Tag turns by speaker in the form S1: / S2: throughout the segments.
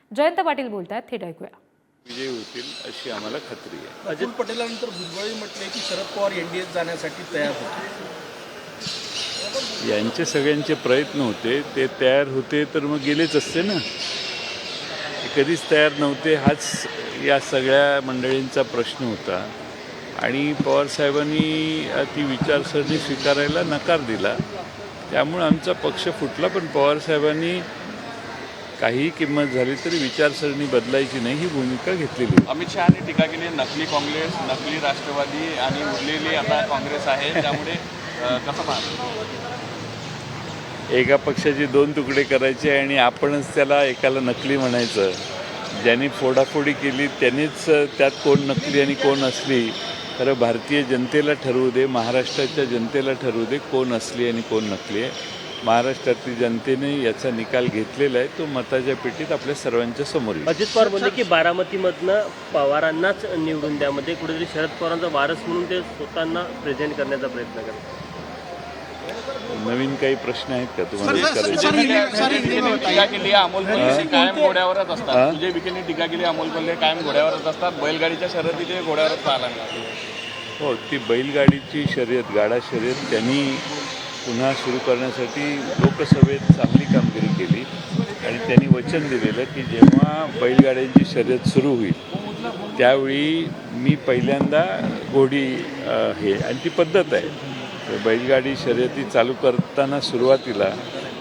S1: जयंत पाटील बोलतात, थेट ऐकूया.
S2: विजयी होतील अशी आम्हाला खात्री आहे.
S3: अजित पटेलांनंतर भुजबळ म्हटले की शरद पवार एनडीएत जाण्यासाठी तयार होते.
S2: यांचे सगळ्यांचे प्रयत्न होते, ते तयार होते तर मग गेलेच असते ना. ते कधीच तयार नव्हते, हाच या सगळ्या मंडळींचा प्रश्न होता. आणि पवारसाहेबांनी ती विचारसरणी स्वीकारायला नकार दिला, त्यामुळे आमचा पक्ष फुटला. पण पवारसाहेबांनी काही किंमत झाली तरी विचारसरणी बदलायची नाही ही भूमिका घेतलेली.
S4: अमित शहानी टीका केली, नकली काँग्रेस, नकली राष्ट्रवादी आणि उरलेली आता काँग्रेस आहे, त्यामुळे कसं पाहतो?
S2: एका पक्षाचे दोन तुकडे करायचे आणि आपणच त्याला एकाला नकली म्हणायचं. ज्यांनी फोडाफोडी केली त्यांनीच त्यात कोण नकली आणि कोण असली. खरं भारतीय जनतेला ठरवू दे, महाराष्ट्राच्या जनतेला ठरवू दे कोण असली आणि कोण नकली आहे. महाराष्ट्रातील जनतेने याचा निकाल घेतलेला आहे, तो मताच्या पेटीत आपल्या सर्वांच्या समोर येईल.
S5: अजित पवार म्हणले की बारामतीमधनं पवारांनाच निवडून द्यामध्ये कुठेतरी शरद पवारांचा वारस म्हणून ते स्वतःना प्रेझेंट करण्याचा प्रयत्न करतात.
S2: नवीन काही प्रश्न आहेत का तुम्हाला?
S4: टीका केली, अमोल कोल्हे कायम घोड्यावरच असतात. तुझे विखेंनी टीका केली, अमोल कोल्हे कायम घोड्यावरच असतात. बैलगाडीच्या शर्यती ते घोड्यावरच पाहायला मिळाले.
S2: हो, ती बैलगाडीची शर्यत, गाडा शर्यत त्यांनी पुन्हा सुरू करण्यासाठी लोकसभेत चांगली कामगिरी केली आणि त्यांनी वचन दिलेलं की जेव्हा बैलगाड्यांची शर्यत सुरू होईल त्यावेळी मी पहिल्यांदा घोडी हे, आणि ती पद्धत आहे बैलगाडी शर्यती चालू करताना सुरुवातीला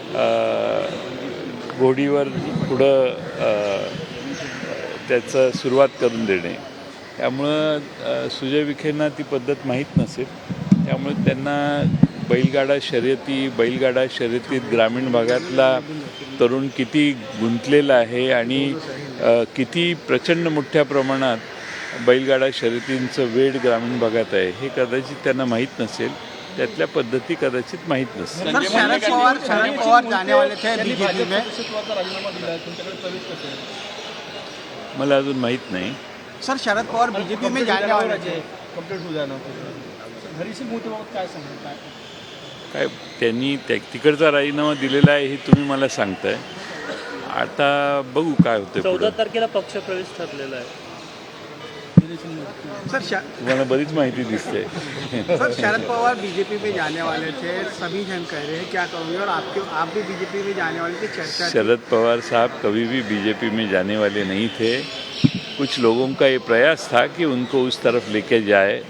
S2: घोडीवर पुढं त्याचं सुरुवात करून देणे. त्यामुळं सुजय विखेंना ती पद्धत माहीत नसेल, त्यामुळे त्यांना बैलगाडा शर्यतीत ग्रामीण भागातला तरुण किती गुंतलेला आहे आणि किती प्रचंड मोठ्या प्रमाणात बैलगाडा शर्यतींचं वेळ ग्रामीण भागात आहे हे कदाचित त्यांना माहीत नसेल. त्यातल्या पद्धती कदाचित माहीत नसतील.
S3: शरद पवार जाने वाले थे बीजेपी में, राजीनामा दिला है, तुमच्याकडे प्रवेश कसे आहे?
S2: मला अजून माहीत नाही.
S3: सर, शरद पवार बीजेपी में जाने वाले थे, कंप्लीट हो जाना. हरी सिंह मोहितेबाबत काय सांगताय?
S2: काय त्यांनी तिकडचा राजीनामा दिलेला आहे हे तुम्ही मला सांगताय. आता बघू काय होतं.
S5: 14 तारखेला पक्ष प्रवेश ठरलेला आहे.
S3: सर,
S2: तुम्हाला बरीच माहिती दिसते.
S3: सर, शरद पवार बीजेपी में जाने वाले थे, सभी जन कह रहे हैं क्या करोगे, और आप भी बीजेपी में जाने वाले थे, चर्चा.
S2: शरद पवार साहब कभी भी बीजेपी में जाने वाले नहीं थे. कुछ लोगों का ये प्रयास था कि उनको उस तरफ लेके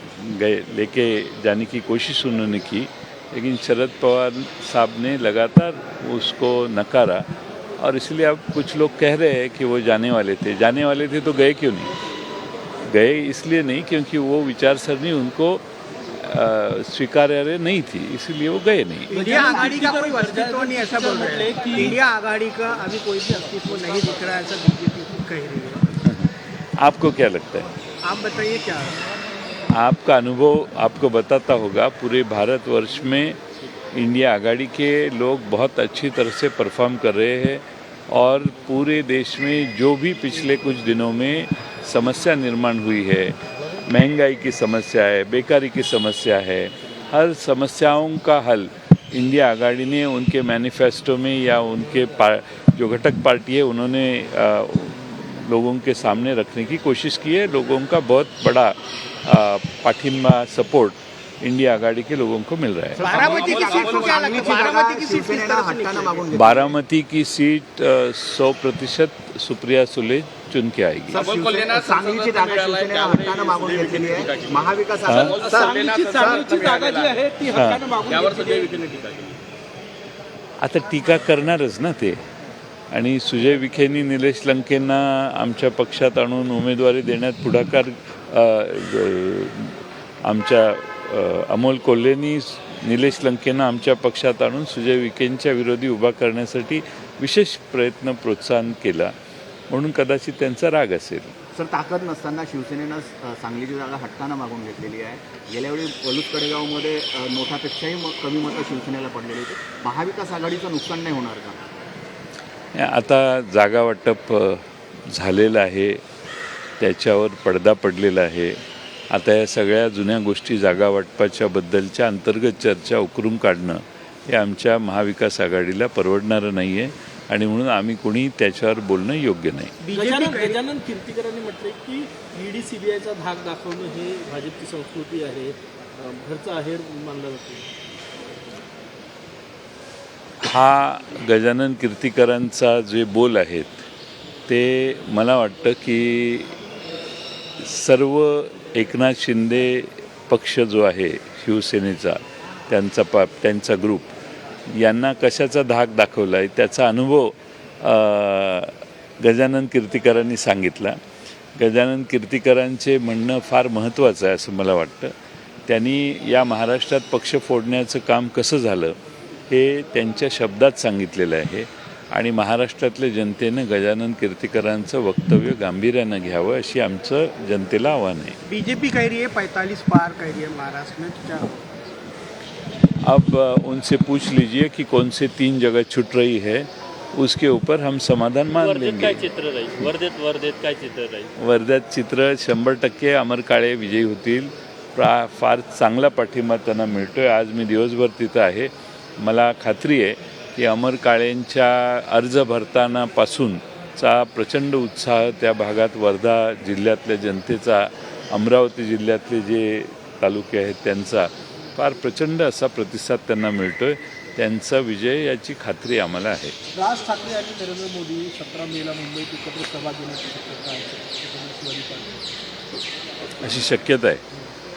S2: जाने की कोशिश उन्होंने की, लेकिन शरद पवार साहब ने लगातार उसको नकारा. और इसलिए अब कुछ लोग कह रहे हैं कि वो जाने वाले थे तो गए क्यों नहीं? गए इसलिए नहीं क्योंकि वो विचारसरणी उनको स्वीकार्य नहीं थी, इसलिए वो गए नहीं.
S3: इंडिया आघाड़ी का कोई अस्तित्व नहीं, ऐसा बोल रहे हैं कि इंडिया आघाड़ी का अभी कोई भी अस्तित्व नहीं दिख रहा है, ऐसा बीजेपी कह रही है.
S2: आपको क्या लगता है?
S3: आप बताइए क्या.
S2: आपका अनुभव आपको बताता होगा, पूरे भारतवर्ष में इंडिया आघाड़ी के लोग बहुत अच्छी तरह से परफॉर्म कर रहे हैं और पूरे देश में जो भी पिछले कुछ दिनों में समस्या निर्माण हुई है, महंगाई की समस्या है, बेकारी की समस्या है, हर समस्याओं का हल इंडिया आघाड़ी ने उनके मैनिफेस्टो में या उनके जो घटक पार्टी है उन्होंने लोगों के सामने रखने की कोशिश की है. लोगों का बहुत बड़ा पाठिंबा, सपोर्ट इंडिया आघाड़ी के लोगों को मिल रहा है.
S3: बारामती की सीट को क्या लगता है? बारामती की सीट किस तरह से निकलेगी?
S2: बारामती की सीट 100% सुप्रिया सुले चुन के आएगी.
S3: सांगलीची जागा शिवसेनेला हक्कानं मागून घेतलेली आहे. महाविकास सांगलीची जागा जी आहे ती हक्कानं मागून घेतलेली आहे.
S2: आता टीका करणारच ना ते. आणि सुजय विखेंनी निलेश लंकेंना आमच्या पक्षात आणून उमेदवारी देण्यात पुढाकार, आमच्या अमोल कोल्हेंनी निलेश लंकेंना आमच्या पक्षात आणून सुजय विखेंच्या विरोधी उभा करण्यासाठी विशेष प्रयत्न, प्रोत्साहन केला, म्हणून कदाचित त्यांचा राग असेल.
S6: सर, ताकद नसताना शिवसेनेनं सांगलीची जागा हक्कानं मागून घेतलेली आहे. गेल्यावेळी पलूस कडेगावमध्ये नोटापेक्षाही कमी मतं शिवसेनेला पडलेली होती. महाविकास आघाडीचं नुकसान नाही होणार का?
S2: आता जागा वाटप झालेलं आहे, त्याच्यावर पडदा पडलेला आहे. आता या सगळ्या जुन्या गोष्टी जागा वाटपाच्या बद्दलच्या अंतर्गत चर्चा उकरून काढणं हे आमच्या महाविकास आघाडीला परवडणारं नाही आहे. आणि म्हणून आम्ही कोणी त्याच्यावर बोलणं योग्य नाही.
S7: गजानन कीर्तीकरांनी म्हटलंय की ईडी सीबीआयचा धाक दाखवणं हे भाजपची संस्कृती आहे, घरचा आहेर मानला जातो.
S2: हा गजानन कीर्तीकरांचा जे बोल आहेत ते मला वाटतं की सर्व एकनाथ शिंदे पक्ष जो आहे शिवसेनेचा, त्यांचा ग्रुप यांना कशाचा धाक दाखवला आहे त्याचा अनुभव गजानन कीर्तीकरांनी सांगितला. गजानन कीर्तीकरांचे म्हणणं फार महत्त्वाचं आहे असं मला वाटतं. त्यांनी या महाराष्ट्रात पक्ष फोडण्याचं काम कसं झालं हे त्यांच्या शब्दात सांगितलेलं आहे आणि महाराष्ट्रातल्या जनतेनं गजानन कीर्तीकरांचं वक्तव्य गांभीर्यानं घ्यावं अशी आमचं जनतेला आव्हान आहे.
S7: बीजेपी कह रही है 45 पार कह रही है महाराष्ट्र में, क्या
S2: अब उनसे पूछ लीजिए कि कौन से 3 जगह छूट रही है, उसके ऊपर हम समाधान मान
S5: वर्धेत
S2: लेंगे.
S5: काय चित्र राहील? वर्धेत काय चित्र राहील?
S2: वर्ध्यात चित्र 100% अमर काळे विजयी होतील. फार चांगला पाठिंबा त्यांना मिळतो आहे. आज मी दिवसभर तिथं आहे. मला खात्री आहे की अमर काळेंच्या अर्ज भरतानापासूनचा प्रचंड उत्साह त्या भागात वर्धा जिल्ह्यातल्या जनतेचा, अमरावती जिल्ह्यातले जे तालुके आहेत त्यांचा फार प्रचंड असा प्रतिसाद त्यांना मिळतो आहे. त्यांचा विजय याची खात्री आम्हाला आहे.
S7: राज ठाकरे आणि नरेंद्र मोदी 17 मेला मुंबईत एकत्र सभा घेण्याची शक्यता आहे,
S2: अशी शक्यता आहे.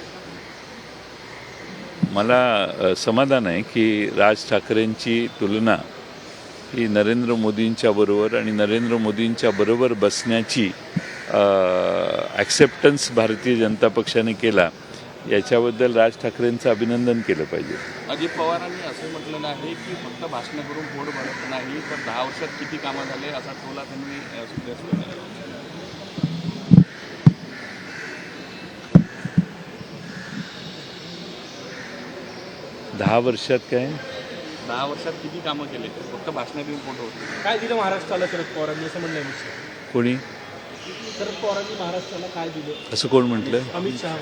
S2: मला समाधान आहे की राज ठाकरेंची तुलना ही नरेंद्र मोदींच्या बरोबर आणि नरेंद्र मोदींच्या बरोबर बसण्याची ॲक्सेप्टन्स भारतीय जनता पक्षाने केला, याच्याबद्दल राज ठाकरेंचं अभिनंदन केलं पाहिजे.
S4: अजित पवारांनी असं म्हटलेलं आहे की फक्त भाषणं करून पोट भरत नाही, तर 10 वर्षात किती कामं झाले असा टोला त्यांनी सुद्धा केला.
S2: 10 वर्षात काय
S4: 10 वर्षात किती कामं केले, फक्त भाषणं देऊन पोट होते.
S7: काय दिलं महाराष्ट्राला शरद पवारांनी असं म्हणणं आहे.
S2: कोणी
S7: शरद पवारांनी महाराष्ट्राला काय दिलं
S2: असं कोण म्हटलं?
S7: अमित शहा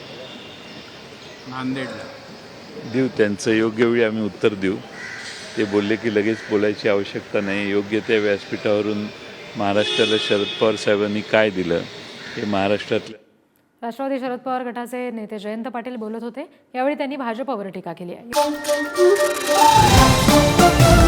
S4: नांदेडला
S2: देऊ, त्यांचं योग्य वेळी आम्ही उत्तर देऊ. ते बोलले की लगेच बोलायची आवश्यकता नाही. योग्य त्या व्यासपीठावरून महाराष्ट्राला शरद पवार साहेबांनी काय दिलं हे महाराष्ट्रातल्या
S1: राष्ट्रवादी शरद पवार गटाचे नेते जयंत पाटील बोलत होते. यावेळी त्यांनी भाजपवर टीका केली आहे.